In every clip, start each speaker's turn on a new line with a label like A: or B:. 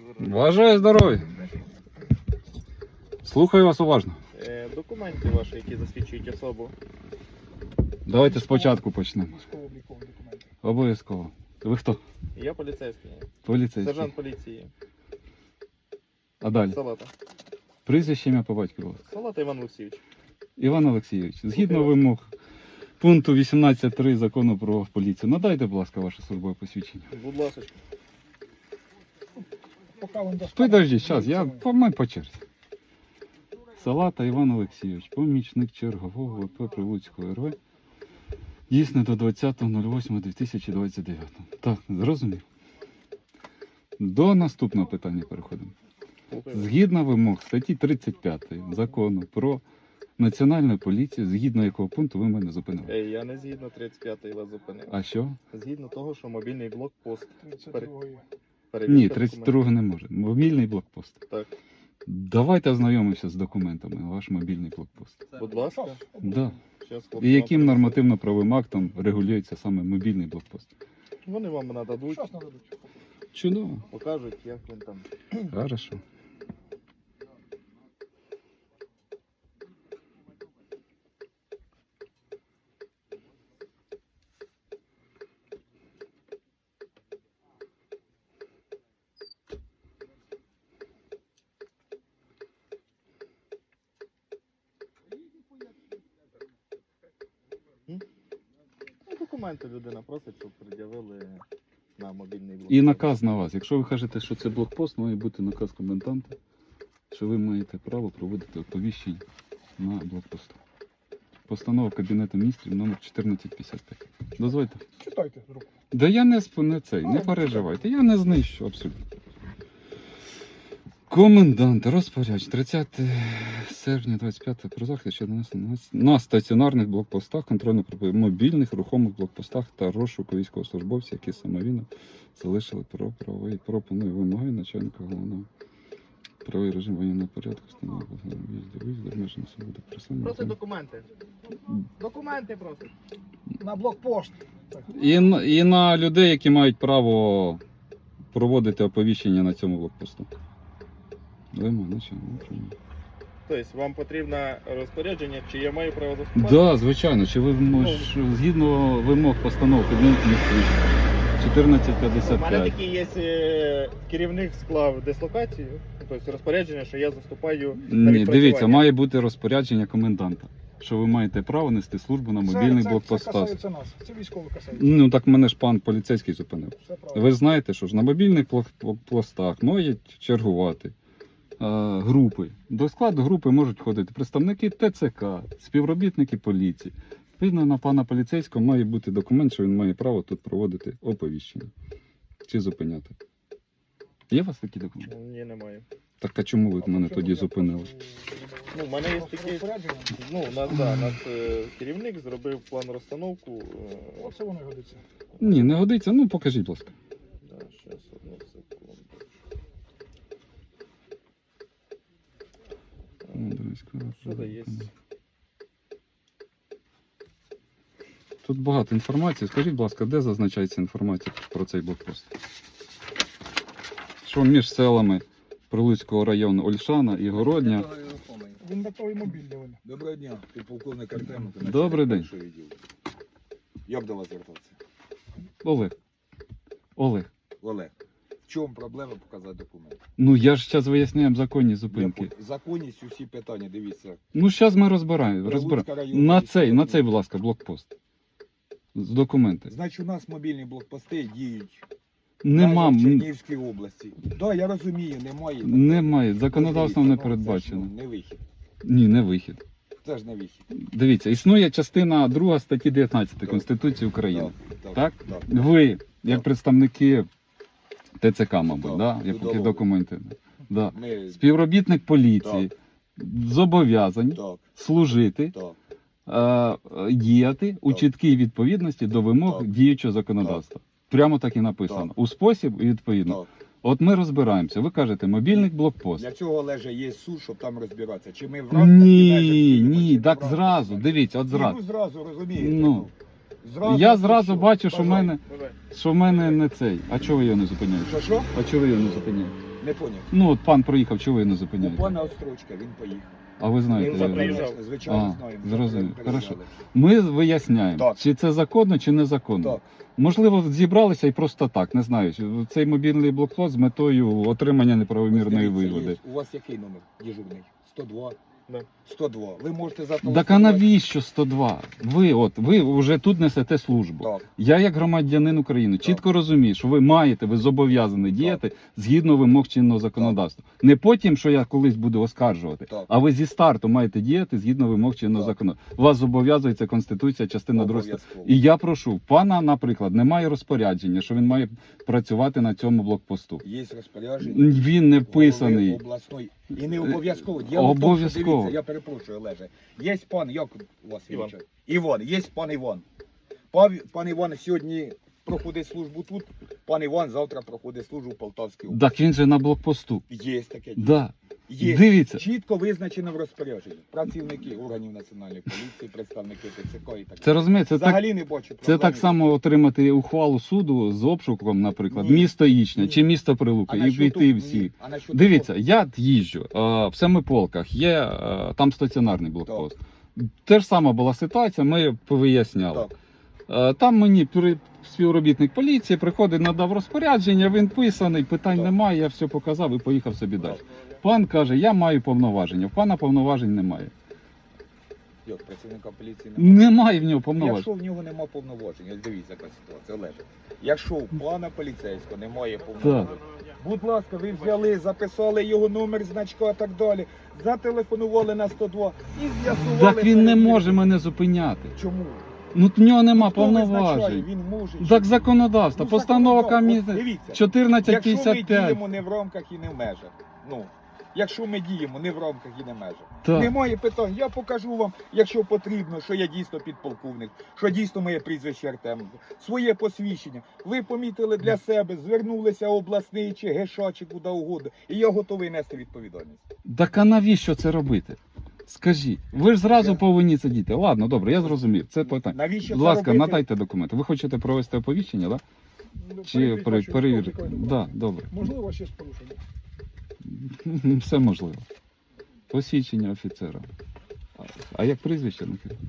A: Бажаю здоров'я. Слухаю вас уважно.
B: Документи ваші, які засвідчують особу.
A: Давайте спочатку почнемо.
C: Військово-облікові документи.
A: Обов'язково. Ви хто?
B: Я поліцейський.
A: Поліцейський.
B: Сержант поліції.
A: А далі?
B: Салата.
A: Прізвище, ім'я по батькові, будь ласка.
B: Салата Іван Олексійович.
A: Іван Олексійович, згідно вимог пункту 18.3 Закону про поліцію, надайте, будь ласка, ваше службове посвідчення.
B: Будь ласка.
C: Поки вам достануть.
A: Підождіть, зараз, ми по черзі. Салата Іван Олексійович, помічник чергового ВП Прилуцького РВ. Дійсно до 20.08.2029. Так, зрозумів. До наступного питання переходимо. Згідно вимог статті 35 Закону про Національну поліцію, згідно якого пункту ви мене зупинили.
B: Я не згідно 35-ї вас зупинив.
A: А що?
B: Згідно того, що мобільний блокпост.
C: 32-ї.
A: Ні, 32 не може. Мобільний блокпост.
B: Так.
A: Давайте ознайомимося з документами, ваш мобільний блокпост.
B: Будь ласка.
A: Да.
B: Щас
A: І
B: хлопці
A: яким
B: вам
A: нормативно-правовим актом регулюється саме мобільний блокпост?
B: принесуть. Вони вам нададуть,
C: Щас нададуть.
A: Чудово.
B: покажуть, як він там.
A: Хорошо.
B: Документи людина просить, щоб пред'явили на мобільний блокпост.
A: І наказ на вас. Якщо ви кажете, що це блокпост, має бути наказ коменданта, що ви маєте право проводити оповіщення на блокпосту. Постанова Кабінету міністрів номер 1455. Дозвольте.
C: Читайте з рук.
A: Да я не цей, не переживайте, я не знищу абсолютно. Комендант, розпорядч, 30 серпня 25 про захист щодо на стаціонарних блокпостах, контрольно-мобільних рухомих блокпостах та розшуку військовослужбовців, які самовільно залишили про правовий пропоную вимоги начальника головного правовий режим воєнного порядку, встановлення в'їзду, обмеження свободи пересування.
B: Просить документи. Документи просить.
C: На блокпост. Так.
A: І на людей, які мають право проводити оповіщення на цьому блокпосту. Вимоги начальника управління.
B: Тобто вам потрібно розпорядження, чи я маю право заступати?
A: Да, звичайно. Чи ви згідно вимог постанов Кабінету міністрів
B: У мене
A: 1455.
B: такий є керівник склав дислокацію, тобто розпорядження, що я заступаю на
A: Ні,
B: відпрацювання.
A: дивіться, має бути розпорядження коменданта, що ви маєте право нести службу на мобільних
C: Це
A: блокпостах.
C: касається нас. Це військово касається.
A: Ну так мене ж пан поліцейський зупинив.
C: Все правильно.
A: Ви знаєте, що ж на мобільних блокпостах мають чергувати групи. До складу групи можуть входити представники ТЦК, співробітники поліції. Відповідно, на пана поліцейського має бути документ, що він має право тут проводити оповіщення. Чи зупиняти. Є у вас такі документи?
B: Ні, немає.
A: Так а чому ви
C: А
A: мене
C: по
A: тоді
C: чому я
A: зупинили?
C: прошу-
B: Ну, в мене є
C: прошу
B: такі,
C: розпорядження?
B: ну, нас керівник зробив план розстановку.
C: Оце воно і годиться.
A: Ні, не годиться. Ну покажіть, будь ласка.
B: Да, щас, одну секунду. Що це є?
A: Тут багато інформації. Скажіть, будь ласка, де зазначається інформація про цей блокпост? Що між селами Прилуцького району Ольшана і Городня.
C: Він готовий мобільний. Він.
D: Доброго дня, ти полковник Артеменко.
A: Добрий день.
D: Як до вас звертатися?
A: Олег.
D: Олег, в чому проблема показати документи?
A: Ну я ж зараз виясняємо законні зупинки.
D: Законність усі питання, дивіться.
A: Ну зараз ми розбираємо.
D: Прилуцька районна
A: На
D: військова
A: цей, будь ласка, блокпост. З документи.
D: Значить, у нас мобільні блокпости діють
A: Нема.
D: в Чернігівській області. Так, да, я розумію, немає.
A: Немає. Законодавством не
D: Це
A: передбачено.
D: ж, ну, не вихід.
A: Ні, не вихід.
D: Це ж не вихід.
A: Дивіться, існує частина 2 статті 19 Конституції України. Так?
D: Так.
A: Ви, як
D: Так.
A: представники ТЦК, мабуть,
D: Так,
A: да? Які
D: судового.
A: документи. Да.
D: Ми...
A: Співробітник поліції зобов'язані
D: Так,
A: служити,
D: так.
A: діяти у чіткій відповідності до вимог
D: Так.
A: діючого законодавства. Прямо так і написано.
D: Так.
A: У спосіб і відповідно.
D: Так.
A: От ми розбираємося. Ви кажете, мобільний блокпост.
D: Для цього, Олеже, є суд, щоб там розбиратися. Чи ми в рамках і межах
A: Ні,
D: діємо, чи
A: ні,
D: не в
A: так
D: рамках
A: зразу.
D: і межах?
A: Дивіться, от
D: Ні,
A: зразу.
D: ну зразу, розумієте.
A: Ну.
D: Зразу,
A: Я
D: ну,
A: зразу
D: що?
A: бачу, що в
D: Бажаю.
A: мене,
B: Давай.
A: що в мене не цей. А чого ви його не зупиняєте?
D: Що?
A: А чого ви його не зупиняєте?
D: Не поняв.
A: Ну, от пан проїхав, чого ви не
D: У
A: зупиняєте?
D: пана Острочка він поїхав.
A: А ви знаєте,
B: Він
A: я-
B: заїжджав.
D: Звичайно,
A: А,
D: знаємо.
A: зрозумів.
D: Переїжджали.
A: Хорошо. Ми виясняємо,
D: Так.
A: чи це законно, чи незаконно.
D: Так.
A: Можливо, зібралися і просто так, не знаю. Цей мобільний блокпост з метою отримання неправомірної
D: Дивіться,
A: вигоди.
D: є. У вас який номер дежурний? 102?
B: Да.
D: 102. Ви можете
A: Так а
D: зателефонувати.
A: навіщо 102? Ви вже тут несете службу.
D: Так.
A: Я, як громадянин України, чітко розумію, що ви зобов'язані діяти згідно вимог чинного законодавства. Не потім, що я колись буду оскаржувати,
D: Так.
A: а ви зі старту маєте діяти згідно вимог чинного
D: Так.
A: законодавства. Вас зобов'язується Конституція, частина 2.
D: Обов'язково.
A: І я прошу, пана, наприклад, немає розпорядження, що він має працювати на цьому блокпосту.
D: Є розпорядження.
A: Він не
D: голови
A: вписаний.
D: обласної. І не обов'язково.
A: Обов'язково.
D: Дивіться, я перепрошую, Олеже. Є пан, як у вас
B: Іван.
D: вічать? Іван, є пан Іван. Пан Іван сьогодні проходить службу тут, пан Іван завтра проходить службу в Полтавській області.
A: Так він же на блокпосту.
D: Є таке.
A: Да.
D: Є.
A: Дивіться.
D: Чітко визначено в розпорядженні. Працівники органів національної поліції, представники ТЦК і так
A: Це розумієте, це так.
D: Взагалі не бачу
A: Це
D: проблеми.
A: так само отримати ухвалу суду з обшуком, наприклад,
D: Ні.
A: місто Ічня
D: Ні.
A: чи місто
D: А
A: Прилука, і
D: насчет
A: війти
D: того-
A: всі.
D: ні. А насчет
A: Дивіться, я їжджу в Семиполках, є там стаціонарний блокпост. Те ж сама була ситуація, ми повиясняли.
D: того-
A: Там мені співробітник поліції приходить, надав розпорядження, він писаний, питань
D: Так.
A: немає, я все показав і поїхав собі далі. Пан каже, я маю повноваження, в пана повноважень немає.
D: Як працівника поліції немає?
A: Немає в нього повноважень.
D: Якщо в нього немає повноважень, ось дивіться, яка ситуація, Олеже. Якщо у пана поліцейського немає повноважень, будь ласка, ви взяли, записали його номер, значка і так далі, зателефонували на 102 і з'ясували.
A: Так він не
D: перевірку.
A: може мене зупиняти.
D: Чому?
A: Ну в нього нема
D: Хто визначає,
A: повноважень.
D: він може.
A: Так законодавство,
D: Ну,
A: постанова
D: законодавство.
A: комісії
D: Дивіться, якщо ми
A: 1455.
D: діємо не в рамках і не в межах, ну, якщо ми діємо не в рамках і не в межах,
A: Так.
D: немає питань. Я покажу вам, якщо потрібно, що я дійсно підполковник, що дійсно моє прізвище Артем, своє посвідчення. Ви помітили для себе, звернулися обласний чи ГШ, чи куди угодно, і я готовий нести відповідальність.
A: Так а навіщо це робити? Скажіть, ви ж зразу
D: Я-
A: повинні це діти. Ладно, добре, я зрозумів. Це питання.
D: Навіщо
A: Будь
D: це
A: ласка,
D: робити?
A: надайте документи. Ви хочете провести оповіщення, так?
C: Ну,
A: Чи
C: перевірити,
A: перевірити?
C: що виконує
A: Так,
C: документ.
A: добре.
C: Можливо, ще з порушенням.
A: Все можливо. Посвідчення офіцера. А як прізвище?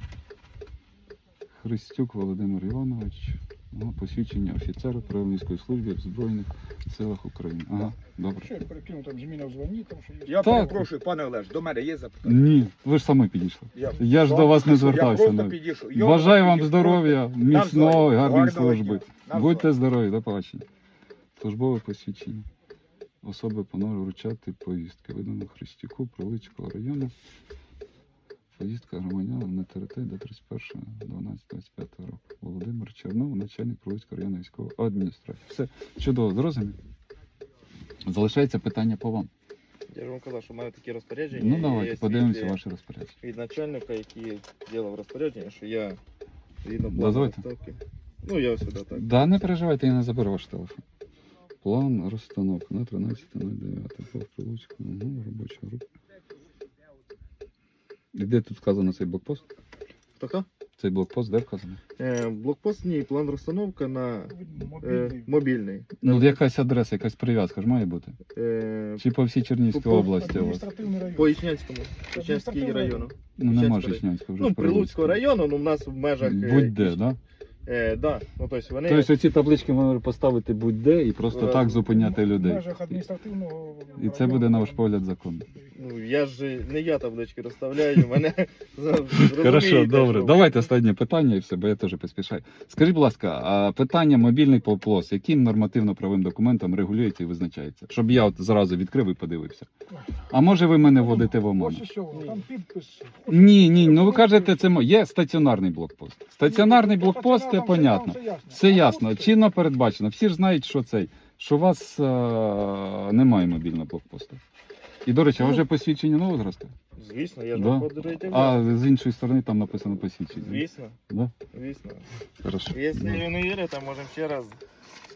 A: Христюк Володимир Іванович. Посвідчення офіцера Правильницької служби в Збройних силах України. Ага, добре.
C: Що я перекину, там зміна в званні, там що є.
D: Я
A: Так.
D: перепрошую, пане Олеж, до мене є запитання?
A: Ні, ви ж самі підійшли. Я ж до вас не звертався.
D: Я просто
A: навіть.
D: підійшов. Я
A: Бажаю
D: вам
A: вам
D: підійшов.
A: здоров'я, міцного,
D: Навзаєм.
A: гарної
D: Гарного
A: служби.
D: дня. Навзаєм.
A: Будьте здорові, до побачення. Службове посвідчення. Особи панове вручати повістки. Видано Христюку, Прилуцького району. Повістка громадянам на території до 31.12.25 року. Володимир Чернов, начальник Прилуцького районної військової адміністрації. Все чудово, зрозумів. Залишається питання по вам.
B: Я ж вам казав, що маю такі розпорядження.
A: Ну
B: і
A: давайте,
B: є
A: подивимося
B: свідки
A: ваше розпорядження.
B: від начальника, який робив розпорядження, що я згідно плану
A: Дозвольте.
B: розставки. Ну, я сюди так.
A: Да, не переживайте, я не заберу ваш телефон. План розстановки на 13.09. По Прилуцькому, робоча група. І де тут вказано цей блокпост?
B: Хто?
A: Цей блокпост де вказано?
B: Блокпост, ні, план розстановка на
C: Мобільний.
B: мобільний.
A: Ну, якась адреса, якась прив'язка ж має бути. Чи по всій Чернігівській
B: По-
A: області у вас?
C: Адміністративний район.
B: По Ічнянському, Ічнянський
C: Адміністративний
B: району.
A: Ну, нема
B: Ічнянського
A: Ічнянського вже.
B: Ну,
A: ж
B: Прилуцького району, ну, в нас в межах...
A: Будь-де, да?
B: Да, ну, тобто вони...
A: Тобто оці таблички можна поставити будь-де і просто
B: Е,
A: так зупиняти
C: В
A: людей.
C: межах адміністративного
A: І це
C: району.
A: буде, на ваш погляд, законно.
B: Ну, я ж не я таблички розставляю, мене
A: Хорошо, добре. Давайте останнє питання і все, бо я теж поспішаю. Скажіть, будь ласка, а питання мобільний блокпост, яким нормативно-правовим документом регулюється і визначається? Щоб я от зразу відкрив і подивився. А може ви мене вводите в оману?
C: Ось і що, там підпис.
A: Ні, ну ви кажете, це є стаціонарний блокпост. Стаціонарний блокпост, це понятно. Все ясно, чинно передбачено. Всі ж знають, що у вас немає мобільного блокпосту. І, до речі, а вже посвідчення нового зразка?
B: Звісно, я ж
A: Да.
B: вам подарую.
A: А з іншої сторони там написано посвідчення.
B: Звісно,
A: Да?
B: звісно.
A: Хорошо.
B: Якщо ви не вірите, можемо ще раз